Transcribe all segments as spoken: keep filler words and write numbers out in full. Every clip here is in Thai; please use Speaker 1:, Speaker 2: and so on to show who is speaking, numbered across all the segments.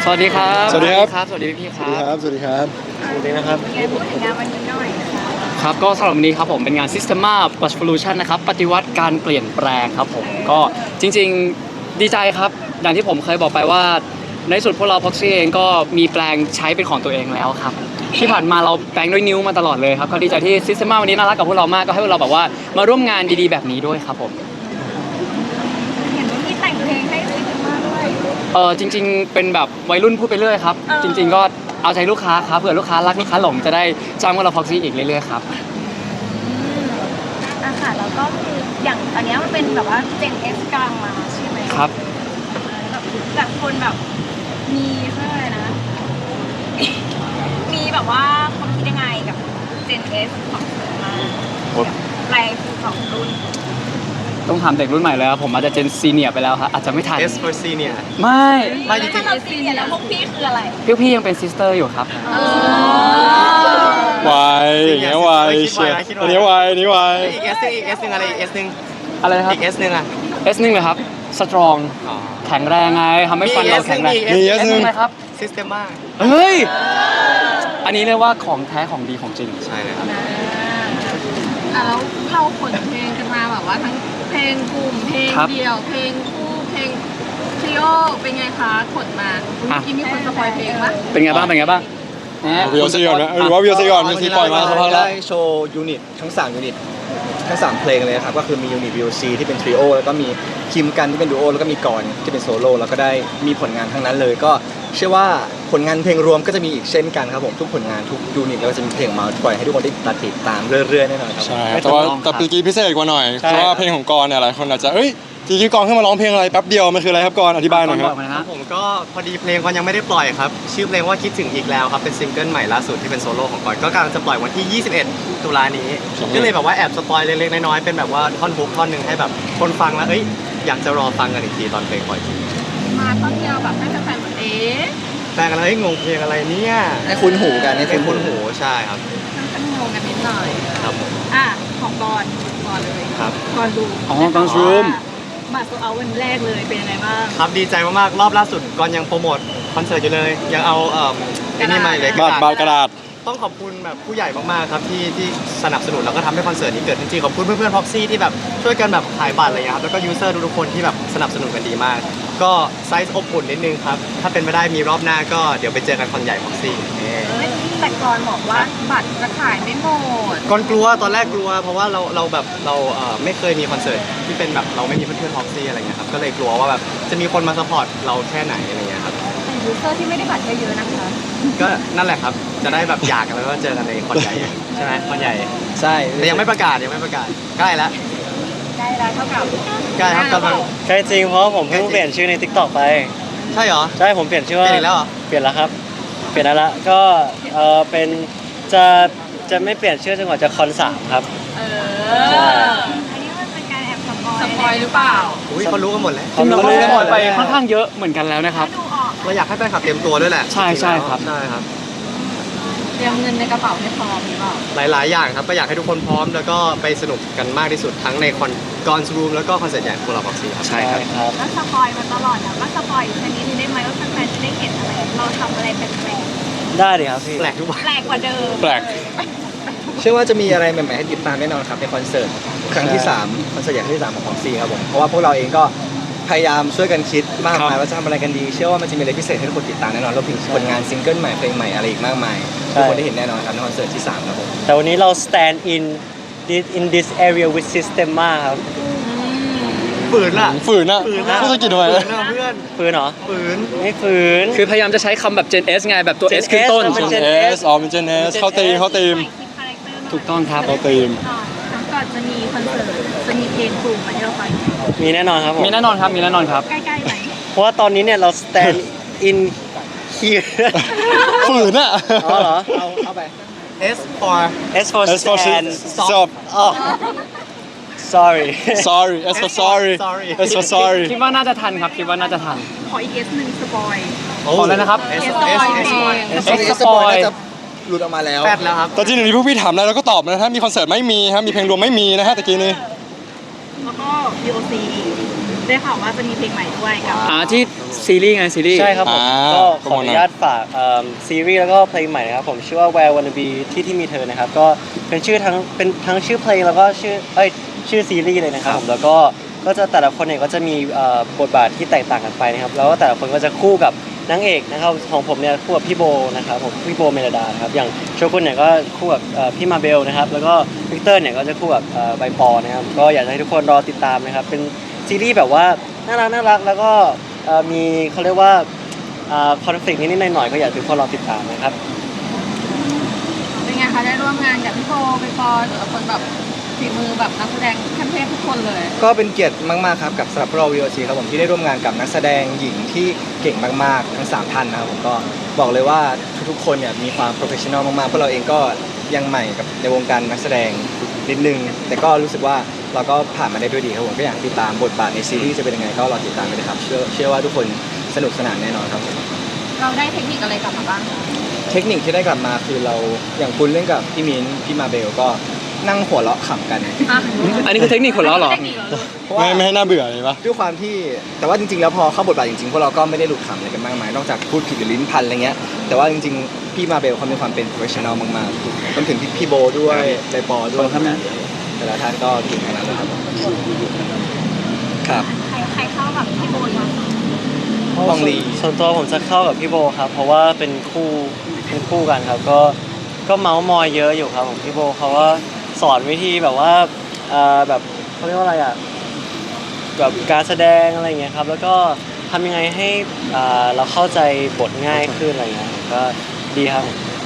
Speaker 1: วัสดีครับ
Speaker 2: สวัสดีครับ
Speaker 1: สวัสดีพี่ค
Speaker 2: สวัสดี
Speaker 1: รับ
Speaker 2: ครับ สวัสดีครับ
Speaker 1: สวัสดีนะครับ
Speaker 3: ยังไงพูดถึงงานวันนี้หน่อยค่ะ
Speaker 1: ครับก็สำหรับวันนี้ครับผมเป็นงาน Systema Revolution นะครับปฏิวัติการเปลี่ยนแปลงครับผมก็จริงๆดีใจครับอย่างที่ผมเคยบอกไปว่าในสุดพวกเรา Proxy เองก็มีแปลงใช้เป็นของตัวเองแล้วครับที่ผ่านมาเราแปลงด้วยนิ้วมาตลอดเลยครับก็ดีใจที่ Systema วันนี้น่ารักกับพวกเรามากก็ให้พวกเราแบบว่ามาร่วมงานดีๆแบบนี้ด้วยครับผม
Speaker 3: เห็นว่ามีแต่งเพลงให้ซิงมาด้วย
Speaker 1: เออจริงๆเป็นแบบวัยรุ่นพูดไปเรื่อยครับ
Speaker 3: เออ
Speaker 1: จริง ๆ ก็เอาใจลูกค้าครับเผื่อลูกค้ารักลูกค้าหลงจะได้จ้างพวกเรา Proxy อีกเรื่อยๆครับ
Speaker 3: อ่ะค่ะแล้วก็คืออย่างตอนเนี้ยมันเป็นแบบว่า Gen X กลางมาใช่ไหม
Speaker 1: ครับ
Speaker 3: แบบแบบคนแบบมีเขาเรียกอะไรนะ มีแบบว่าความคิดยังไงกับ Gen S ของเสือมาแปลงสองรุ่น
Speaker 1: ต้องถามเด็กรุ่นใหม่แล้วผมอาจจะเจนซีเนียร์ไปแล้วครับอาจจะไม่ทัน
Speaker 4: S for senior
Speaker 1: ไม่
Speaker 4: ไม่จริงๆ
Speaker 3: ถ้าเราซีเนียร์แล้วพวกพี่คืออะไร
Speaker 1: พี่พี่ยังเป็นซิสเตอร์อยู่ครับ
Speaker 3: เออ
Speaker 2: วายอย่างเงี้ยวายเชียร์อันนี้วายอันนี้วาย
Speaker 4: อีก S นึงอีก S นึงอะไรอีก S นึง
Speaker 1: อะไรนะครับ
Speaker 4: อีก S นึงอ่ะ
Speaker 1: S หนึ่งเลยครับสตรอง
Speaker 4: อ๋อ
Speaker 1: แข็งแรงไงทำให้ฟันเราแข็งแรง
Speaker 4: มี
Speaker 2: S หนึ่ง
Speaker 1: อะไรครับ
Speaker 4: Systema
Speaker 1: เฮ้ยอันนี้เรียกว่าของแท้ของดีของจริง
Speaker 4: ใช่เลยครับ
Speaker 5: อ่ะแล้วเราขนเพลงกันมาแบบว่าทั้งเพลงกลุ่มเพลง
Speaker 1: ครับ
Speaker 5: เดี่ยวเพลงคู่เพลงทริโอเป็นไงคะขนมาเมื่อกี้มีคนสปอยเพลงปะ
Speaker 1: เป็นไงบ้างเป็นไงบ้างแหม
Speaker 2: วิวซีก่อนไหมหรือว่าวิวซีก่อนวิวซีปล่อยมาสักพักแล้ว
Speaker 6: ได้โชว์ยูนิตทั้งสามยูนิตทั้งสามเพลงเลยครับก็คือมียูนิต วี โอ ซี ที่เป็นทริโอแล้วก็มีคิมกันที่เป็นดูโอแล้วก็มีกรที่เป็นโซโล่แล้วก็ได้มีผลงานทั้งนั้นเลย ก็เชื่อว่าผลงานเพลงรวมก็จะมีอีกเช่นกันครับผมทุกผลงานทุกยูนิตแล้วก็จะมีเพลงมาปล่อยให้ทุกคนได้ติดตามเรื่อยๆแน่นอนครับ
Speaker 2: ใช่แต่ว่าแต่ปีกี้พิเศษกว่าหน่อย เพราะว่าเพลงของกรเนี่ยหลายคนอาจจะเอ้ยปีกี้กรขึ้นมาร้องเพลงอะไรแป๊บเดียวมันคืออะไรครับกรอธิบายหน่อยค
Speaker 1: บ
Speaker 2: รั
Speaker 1: อบ กมานะฮะ
Speaker 4: ผมก็พอดีเพลงก็ยังไม่ได้ปล่อยครับ ชื่อเพลงว่าคิดถึงอีกแล้วครับ เป็นซิงเกิลใหม่ล่าสุดที่เป็นโซโล่ของก่อนก็กำลังจะปล่อยวันที่ ยี่สิบเอ็ด ตุลานี้ ก็เลยแบบว่าแอบสปอยเล็กๆน้อยๆเป็นแบบว่าท่อนฮุกท่อนหนึ่งให้แบบคนฟังแล้วเอ้ยอยากจะรอฟังกันอีกทีตอนเพลงปล่อยจริง
Speaker 5: มาต้นเดียวแบบให้แฟนๆเหมือนเอ๊ะ
Speaker 4: แฟนกันแล้วเฮ้ยงงเพลงอะไรเนี่ย
Speaker 6: ให้คุ้นหูกันให้
Speaker 4: เพล
Speaker 6: คุ้
Speaker 4: ง
Speaker 6: นหู
Speaker 4: คุ้นหูใช่ครับ
Speaker 5: ทั้งงงกันนิดหน่อย
Speaker 4: ครับผม
Speaker 5: อ่ะของบอลก่อนเลย
Speaker 4: ครับ
Speaker 5: ก่อนดู
Speaker 1: อ๋อ Guns Room
Speaker 5: บัตรโซเอาวันแรกเลยเป็นยังไงบ้าง
Speaker 4: ครับดีใจมากๆรอบล่าสุดก่อนยังโปรโมทคอนเสิร์ตอยู่เลย ยังเอาเอ่อไอ้นี่มาเลย
Speaker 2: บาดบาดกระดาษ
Speaker 4: ต้องขอบคุณแบบผู้ใหญ่มากๆครับที่ที่สนับสนุนแล้วก็ทำให้คอนเสิร์ตนี้เกิดขึ้นจริงขอบคุณเพื่อนๆพ็อกซี่ที่แบบช่วยกันแบบขายบัตรอะไรเงี้ยครับแล้วก็ยูเซอร์ทุกๆคนที่แบบสนับสนุนกันดีมาก ก็ไซส์อบอุ่นนิดนึงครับถ้าเป็นไปได้มีรอบหน้าก็เดี๋ยวไปเจอกันคอนใหญ่พ็อกซี่
Speaker 3: แต่ก่อนบอกว่าบัตรจะขายไม่หมด
Speaker 4: ก่อนกลัวตอนแรกกลัว เพราะว่าเราเราแบบเราเอ่อไม่เคยมีคอนเสิร์ตที่เป็นแบบเราไม่มีเพื่อนๆพ็อกซี่อะไรเงี้ยครับก็เลยกลัวว่าแบบจะมีคนมาซัพพอร์ตเราแค่ไหนอะไรเงี้ยครับ
Speaker 3: แต่ยูเซอร์ที่ไม่ได้บัตรเยอะๆนะคะ
Speaker 4: ก็นั่นแหละครับจะได้แบบอยากกันแล้วก็เจอกันในคอนใหญ่ใช่ไหมคอนใหญ่
Speaker 6: ใช่
Speaker 4: แต่ยังไม่ประกาศยังไม่ประกาศใกล้แล้ว
Speaker 3: ได้แล้วเท่ากับ
Speaker 4: ใกล้ครับกำลัง
Speaker 7: ใช่จริงเพราะผมเพิ่งเปลี่ยนชื่อใน TikTok ไป
Speaker 4: ใช่เหรอ
Speaker 7: ใช่ผมเปลี่ยนชื่อ
Speaker 4: เป
Speaker 7: ว่า
Speaker 4: ลี่ยนอีกแล้วเหรอ
Speaker 7: เปลี่ยนแล้วครับ เปลี่ยนแล้วละก็เออเป็นจะจะไม่เปลี่ยนชื่อจนกว่าจะคอนสามครับ
Speaker 5: เอ
Speaker 7: ใช่
Speaker 5: อ
Speaker 3: อันนี้มันเป็นการแอบสปอย
Speaker 5: สปอยหรือเปล่า
Speaker 4: อุ้ยเขารู้กันหมดแล้ว
Speaker 1: จริงๆเราก็
Speaker 7: รู้
Speaker 1: ได้
Speaker 7: กัน
Speaker 1: ป
Speaker 7: หม
Speaker 1: ล่อย
Speaker 7: ด
Speaker 1: ไป
Speaker 7: แล้ว
Speaker 1: ค่อนข้างเยอะเหมือนกันแล้วนะครับ
Speaker 3: ดูออก
Speaker 4: เราอยากให้แฟนคลับเตรียมตัวด้วยแหละ
Speaker 1: ใช่ใช่ครับ
Speaker 4: ใช่ครับ
Speaker 5: เตรียมเงินในกระเป๋าให้พร้อมหรือเปล่า
Speaker 4: หลาย ๆ อย่างครับก็อยากให้ทุกคนพร้อมแล้วก็ไปสนุกกันมากที่สุดทั้งในคอนกอนรูมแล้วก็คอนเสิร์ตใหญ่ของพวกเราบ็อกซี่ครับ
Speaker 1: ใช่ครับ
Speaker 7: ครับ
Speaker 3: แล้วสปอยมาตลอดนะว่าสปอยอีกชนิดนึงได้ไหมว่าแฟนๆจะได้เห็นอะไร เราทำอะไรแปลก
Speaker 7: ได้ดิครับพี่
Speaker 4: แปลกทุกวัน
Speaker 3: ๆแปลกกว่าเดิม
Speaker 2: แปลก
Speaker 6: เชื่อว่าจะมีอะไรใหม่ๆให้ติดตามแน่นอนครับในคอนเสิร์ตครั้งที่สามคอนเสิร์ตใหญ่ครั้งที่สามของพ็อกซี่ครับผมเพราะว่าพวกเราเองก็พยายามช่วยกันคิดมากมายว่าจะทำอะไรกันดี เชื่อว่ามันจะมีอะไรพิเศษให้ทุกคนติดตามแน่นอนรวมถึงผลงานซิงเกิลใหม่เพลงใหม่อะไรอีกมากมายทุกคนได้เห็นแน่นอนครับในคอนเสิร์ตที่สามครับผม
Speaker 7: แต่วันนี้เรา stand in this in this area with Systema ครับ
Speaker 4: ฝืนล่ะ
Speaker 2: ฝืนอะ
Speaker 4: ฝืนนะ
Speaker 2: พูดสะกิดทำไม
Speaker 4: ฝืนนะเพื่อน
Speaker 7: ฝืนเหรอ
Speaker 4: ฝืน
Speaker 7: ไม่ฝืน
Speaker 1: คือพยายามจะใช้คำแบบ Gen S ไงแบบตัว
Speaker 7: Gen
Speaker 1: S ขึ้นต้น
Speaker 7: S มัน
Speaker 2: เจนเอสอ๋อเป็นเจนเอสเขาตีมเขาตีม
Speaker 3: คาแรคเตอร์
Speaker 1: ถูกต้องครับ
Speaker 2: เขาตีม
Speaker 3: ก่อนจะมีคอนเสิร์ตจะมีเพลงกลุ่มมาให้เราฟัง
Speaker 7: มีแน่นอนครับผม
Speaker 1: มีแน่นอนครับมีแน่นอนครับ
Speaker 3: ใกล้ๆไหม
Speaker 7: เพราะว่าตอนนี้เนี่ยเรา stand in here
Speaker 2: ฝืนอะ
Speaker 7: อ๋อเหรอ
Speaker 6: เอาเข้าไป
Speaker 4: S for
Speaker 7: S for
Speaker 2: S for
Speaker 7: stand
Speaker 2: stop
Speaker 7: อ๋อ sorry
Speaker 2: sorry S for sorry
Speaker 4: Sorry
Speaker 2: S for sorry
Speaker 1: คิดว่าน่าจะทันครับคิดว่าน่าจะทัน
Speaker 3: ขออีกเอสหนึ่งสปอย
Speaker 1: ขอเลยนะครับ
Speaker 4: S
Speaker 3: S
Speaker 4: S
Speaker 3: S
Speaker 4: S
Speaker 1: S
Speaker 6: ส
Speaker 1: ส
Speaker 6: ป
Speaker 1: ป
Speaker 6: อ
Speaker 1: อย ย
Speaker 6: น่าจะหลุดออกมาแล้ว
Speaker 4: แปดแล้วครับ
Speaker 2: แต่จริงๆเดี๋ยวนี้พวกพี่ถามอะไรเราก็ตอบนะถ้ามีคอนเสิร์ตไม่มีครับมีเพลงรวมไม่มีนะฮะตะกี้นี้
Speaker 3: แล้วก็ วี โอ ซี ได้ข่าวว่าจะมีเพลงใหม่ด้วยกับ
Speaker 1: อ่าที่ซีรีส์ไงซีรีส์
Speaker 7: ใช่ครับผม
Speaker 2: อ่า
Speaker 7: ก็ข
Speaker 2: โปร
Speaker 7: อ
Speaker 2: โม
Speaker 7: อ
Speaker 2: ทหน่
Speaker 7: นุ
Speaker 2: อย
Speaker 7: ญาตฝากเอิ่มซีรีส์แล้วก็เพลงใหม่นะครับผมชื่อว่า Where Wanna Be ที่ที่มีเธอนะครับก็เป็นชื่อทั้งเป็นทั้งชื่อเพลงแล้วก็ชื่อเอ้ยชื่อซีรีส์เลยนะครับผมแล้วก็ก็จะแต่ละคนเนี่ยก็จะมีเอ่อบทบาทที่แตกต่างกันไปนะครับแล้วก็แต่ละคนก็จะคู่กับนางเอกนะครับของผมเนี่ยคู่กับพี่โบนะครับผมพี่โบเมลดานะครับอย่างโชกุนเนี่ยก็คู่กับเอ่อพี่มาเบลนะครับแล้วก็วิกเตอร์เนี่ยก็จะคู่กับเอ่อใบปอนะครับก็อยากจะให้ทุกคนรอติดตามนะครับเป็นซีรีส์แบบว่าน่ารักน่ารักแล้วก็เอ่อมีเขาเรียกว่าคอนฟ lict นิดๆหน่อยๆก็อยากให้ทุกคนรอติดตามนะครับ
Speaker 5: เป็นไงคะได้ร่วมงานกับพี่โบไปปอหรือคนแบบฝีมือแบบนักแสดงขั้นเทพทุกคนเลย
Speaker 6: ก็เป็นเกียรติมากๆครับกับสำหรับพวกเรา วี โอ ซี ครับผมที่ได้ร่วมงานกับนักแสดงหญิงที่เก่งมากๆทั้งสามท่านนะครับผมก็บอกเลยว่าทุกๆคนเนี่ยมีความโปรเฟชชั่นอลมากๆพวกเราเองก็ยังใหม่กับในวงการนักแสดงนิดนึงแต่ก็รู้สึกว่าเราก็ผ่านมาได้ด้วยดีครับผมก็อยากติดตามบทบาทในซีรีส์จะเป็นยังไงก็รอติดตามกันเลยครับเชื่อเชื่อว่าทุกคนสนุกสนานแน่นอนครับผม
Speaker 5: เราได้เทคนิคอะไรกลับมาบ้างคะ
Speaker 6: เทคนิคที่ได้กลับมาคือเราอย่างคุณเล่นกับพี่มิ้นพี่มาเบลก็นั่งหัวเราะขำกัน
Speaker 5: อ่ะ
Speaker 1: อันนี้คือเทคนิคคนล้อเหรอ
Speaker 5: เทคนิคเหรอ
Speaker 6: เพราะ
Speaker 2: ไม่
Speaker 6: ว่า
Speaker 2: ไม่ให้น่าเบื่อเลยปะ
Speaker 6: ด้วยความที่แต่ว่าจริงๆแล้วพอเข้าบทบาทจริงๆพวกเราก็ไม่ได้หลุดขำอะไรกันมากมายนอกจากพูดผิดหรือลิ้นพันอะไรเงี้ยแต่ว่าจริงๆพี่มาเบลเขามีความเป็น professional มากๆรวมถึงพี่พี่โบด้วยไดปอด้วยแต่ละท่านก็เก่งขนาดนั้นครับครับ
Speaker 3: ใครใครเข้ากับพี่โบยอน
Speaker 6: ลองลี
Speaker 7: ส่วนตัวผมจะเข้ากับพี่โบครับเพราะว่าเป็นคู่เป็นคู่กันครับก็ก็เมาส์มอยเยอะอยู่ครับผมพี่โบเขาก็สอนวิธีแบบว่าเอ่อแบบเขาเรียกว่าอะไรอ่ะแบบการแสดงอะไรอย่างเงี้ยครับแล้วก็ทำยังไงให้อ่าเราเข้าใจบทง่ายขึ้นอะไรเงี้ยก็ดีครับ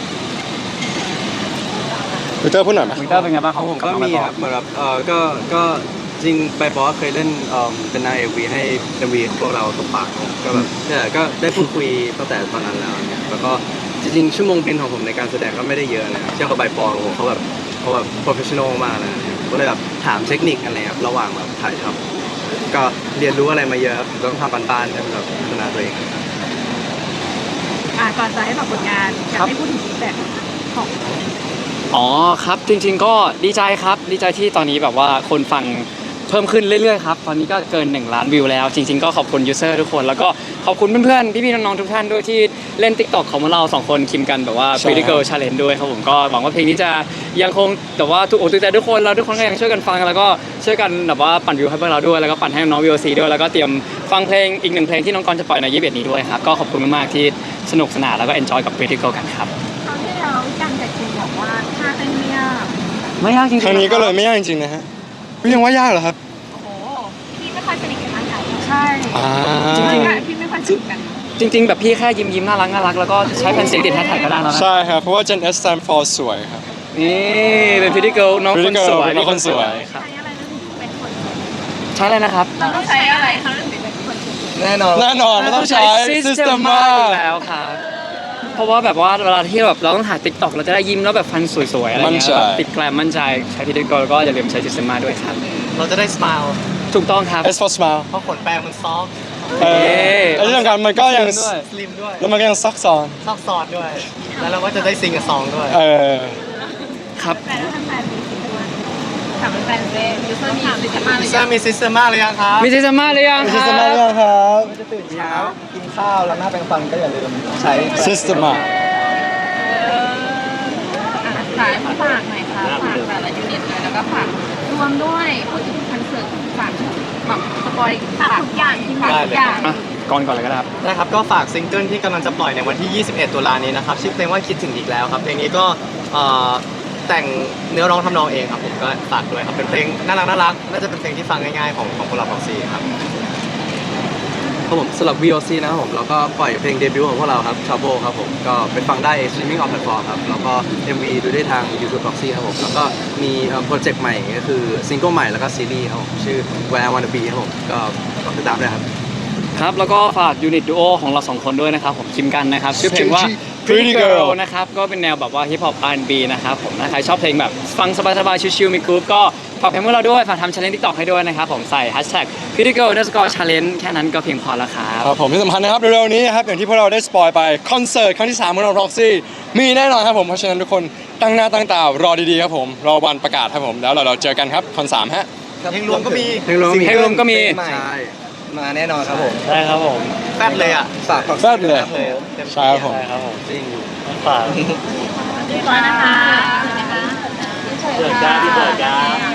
Speaker 2: พีเตอร์พูดหน่อยไหม
Speaker 1: วิกเตอร์เป็นไงบ้าง
Speaker 8: ของผม
Speaker 1: ลั
Speaker 8: ก็
Speaker 1: บา
Speaker 8: มี
Speaker 1: ต่อ
Speaker 8: ครับเหมือนแบบเออก็ก็จริงไปปอเคยเล่นเอ่อเป็นนางเอกวีให้เอ็มวีพวกเราตบปากครับก็แบบเนี่ยก็ได้พูดคุยตั้งแต่ตอนนั้นแล้วเนี่ยแล้วก็จริงๆชั่วโมงบินของผมในการแสดงก็ไม่ได้เยอะนะครับเทียบกับใบปอของผมเขาแบบเขาแบบโปรเฟชชั่นอลมากเลยนะครับก็เลยแบบถามเทคนิคอะไรครับระหว่างแบบถ่ายทำก็เรียนรู้อะไรมาเยอะครับต้องทำบ้านๆให้แบบพัฒนาตัวเอง
Speaker 3: อ่ะก่อนจะให้ฝากผลงานอยากให้พูดถึงฟีดแบ็กของ
Speaker 1: อ๋อครับจริงๆก็ดีใจครับดีใจที่ตอนนี้แบบว่าคนฟังเพิ่มขึ้นเรื่อยๆครับตอนนี้ก็เกินหนึ่งล้านวิวแล้วจริงๆก็ขอบคุณยูเซอร์ทุกคนแล้วก็ขอบคุณเพื่อนๆพี่ๆน้องๆทุกท่านด้วยที่เล่น TikTok ของเราสองคนคิมกันแบบว่า
Speaker 2: ใช่
Speaker 1: Pretty Girl Challenge ด้วยครับผมก็หวังว่าเพลงนี้จะยังคงแต่ว่าถูกอกถูกใจทุกคนแล้วทุกคนก็ยังช่วยกันฟังแล้วก็ช่วยกันแบบว่าปั่นวิวให้พวกเราด้วยแล้วก็ปั่นให้น้องๆ วี โอ ซี ด้วยแล้วก็เตรียมฟังเพลงอีกหนึ่งเพลงที่น้องกรจะปล่อยในยี่สิบเอ็ดนี้ด้วยครับก็ขอบคุณมากๆที่สนุกสนานแล้วก็ enjoy กับ Pretty Girl กันครับ
Speaker 3: คราวที่แล้วกันกับคิมบอกว่าท่าเต้นไม่ยาก
Speaker 1: ไม่ยากจริงๆ
Speaker 2: ครั้งนี้ก็เลยไม่ยากจริงๆนะฮะเฮ้ยยังว่ายากเหรอครับ
Speaker 3: โอ้โหพี่ไม่ค่อยสนิทกับทางไหนใช่
Speaker 2: อ่า
Speaker 1: จริง
Speaker 3: พี่ไม่ค่อยสนิทกัน
Speaker 1: ๆจริง ๆ แบบพี่แค่ยิ้มยิ้มๆน่ารักน่ารักแล้วก็ใช้แผ่นเสียงติดแฮชแท็กก็ได้แล้วนะ
Speaker 2: ใช่ครับเพราะว่า Gen S stand for สวยครับ
Speaker 1: นี่เป็น Pretty Girl น้องคน
Speaker 2: Pretty Girl
Speaker 1: สวย
Speaker 2: น้องคนสวย
Speaker 1: ครับ
Speaker 3: ใช้อะไรถึงเป็นคน
Speaker 1: ใช้อะไรนะครับ
Speaker 3: เราต้องใช้อะไรเขาถึงเป็นคน
Speaker 6: แน่นอน
Speaker 2: แน่นอนเราต้องใช้ Systema
Speaker 1: อยู่แล้วครับเพราะว่าแบบว่าเวลาที่แบบเราต้องถ่าย TikTok เราจะได้ยิ้มแล้วแบบฟันสวยๆอะไร
Speaker 2: มั่น
Speaker 1: เงี้ย
Speaker 2: ใจ
Speaker 1: แบบติดแกลมมั่นใจใช้ Pretty Girl ก็อย่าลืมใช้ Systema ด้วยครับ
Speaker 4: เราจะได้ส i l ล
Speaker 1: ถูกต้องครับ
Speaker 2: S for smile
Speaker 4: เพราะขนแปรงมันซอฟต์
Speaker 2: เออแล้วที่สำคัญมันก็ยัง
Speaker 1: ด้วย
Speaker 4: สลิมด้วย
Speaker 2: แล้วมันก็ยังซักซ้อน
Speaker 4: ซอกซอนด้วย แล้วเราก็จะได้ซิงกับซองด้วย
Speaker 2: เออ
Speaker 1: ครับ
Speaker 3: แต่ถ้าทำแฟนมีสิทธิ์ด้วย
Speaker 5: ถามเป็นแฟนเล่นยูเซอร์มีสิทธิ์มาหรื
Speaker 4: พิซ
Speaker 5: อ
Speaker 4: ซ่า
Speaker 5: ยัง
Speaker 4: มีซิสเตอร์มาหรือยังครับ
Speaker 1: มี Systema หรือยัง
Speaker 6: มี
Speaker 1: ค
Speaker 6: ซิ
Speaker 1: รั
Speaker 6: สเต็มอะไร
Speaker 1: บ
Speaker 6: ยังครับจะตื่นเช้ากินข้าวแล้วหน้าแปรงฟันก็อย่าลืมใช้
Speaker 2: Systema
Speaker 5: อ่ะขายฝากหน่อยค่ะฝากแต่ละยูนิตเลยแล้วก็ฝากรวมด้วยพูดถึงคอนเสิร์ตฝากแบบสปอย
Speaker 3: ฝากทุกอย่างที่
Speaker 5: ฝาก
Speaker 3: ฝาก
Speaker 5: ทุกอย่าง
Speaker 1: อ่ะก่อนก่อนเลยก็ได้ครับ
Speaker 4: นะครับก็ฝากซิงเกิลที่กำลังจะปล่อยในวันที่ ยี่สิบเอ็ด ตุลานี้นะครับชื่อเพลงว่าคิดถึงอีกแล้วครับเพลงนี้ก็เอ่อแต่งเนื้อร้องทำนองเองครับผมก็ฝากด้วยครับเป็นเพลงน่ารักน่ารักน่าจะเป็นเพลงที่ฟังง่ายๆของของพวกเราของซีครับ
Speaker 8: ครับผมสำหรับ วี โอ ซี นะครับผมแล้วก็ปล่อยเพลงเดบิวต์ของพวกเราครับ Trouble ครับผมก็ไปฟังได้ streaming on platform ครับแล้วก็ เอ็ม วี ดูได้ทาง YouTube Proxy ครับผมแล้วก็มีโปรเจกต์ใหม่ก็คือซิงเกิลใหม่แล้วก็ซีรีส์ครับผมชื่อ Where I Wanna Be ครับผมก็ฝากติดตามด้วยครับ
Speaker 1: ครับแล้วก็ฝากยูนิตดูโอของเราสองคนด้วยนะครับผมคิมกันนะครับชื่อเพลงว่า
Speaker 2: Pretty Girl
Speaker 1: นะครับก็เป็นแนวแบบว่าฮิปฮอป อาร์ แอนด์ บี นะครับผมถ้าใครชอบเพลงแบบฟังสบายๆชิลๆมีกรุ๊ปก็ฝากเพลงพวกเราด้วยฝากทำ challenge TikTok ให้ด้วยนะครับผมใส่ hashtag Pretty Girl underscore challenge แค่นั้นก็เพียงพอแล้วครับ
Speaker 2: ครับผมที่สำคัญนะครับเร็วๆนี้นะครับอย่างที่พวกเราได้สปอยไปคอนเสิร์ตครั้งที่สามของเรา Proxy มีแน่นอนครับผมเพราะฉะนั้นทุกคนตั้งหน้าตั้งตารอดีๆครับผมรอวันประกาศครับผมแล้วเราเราเจอกันครับคอนสามฮะ
Speaker 4: เพลงรวมก็มี
Speaker 8: เพลงรวมมี
Speaker 1: เพลงรวมก็มี
Speaker 6: ใหม่
Speaker 8: ใช่
Speaker 6: มาแน่นอนครับผม
Speaker 7: ได้ครับผม
Speaker 4: แฟดเลยอ่ะ
Speaker 6: ฝากฝาก
Speaker 2: แป๊บเลย
Speaker 6: ครับผม
Speaker 2: ใช่ครับผม
Speaker 7: ได้ครับผม
Speaker 8: จริง
Speaker 7: ฝาก
Speaker 5: เรียบร้อยนะคะ
Speaker 7: เปิดจ้าที่เปิดจ้า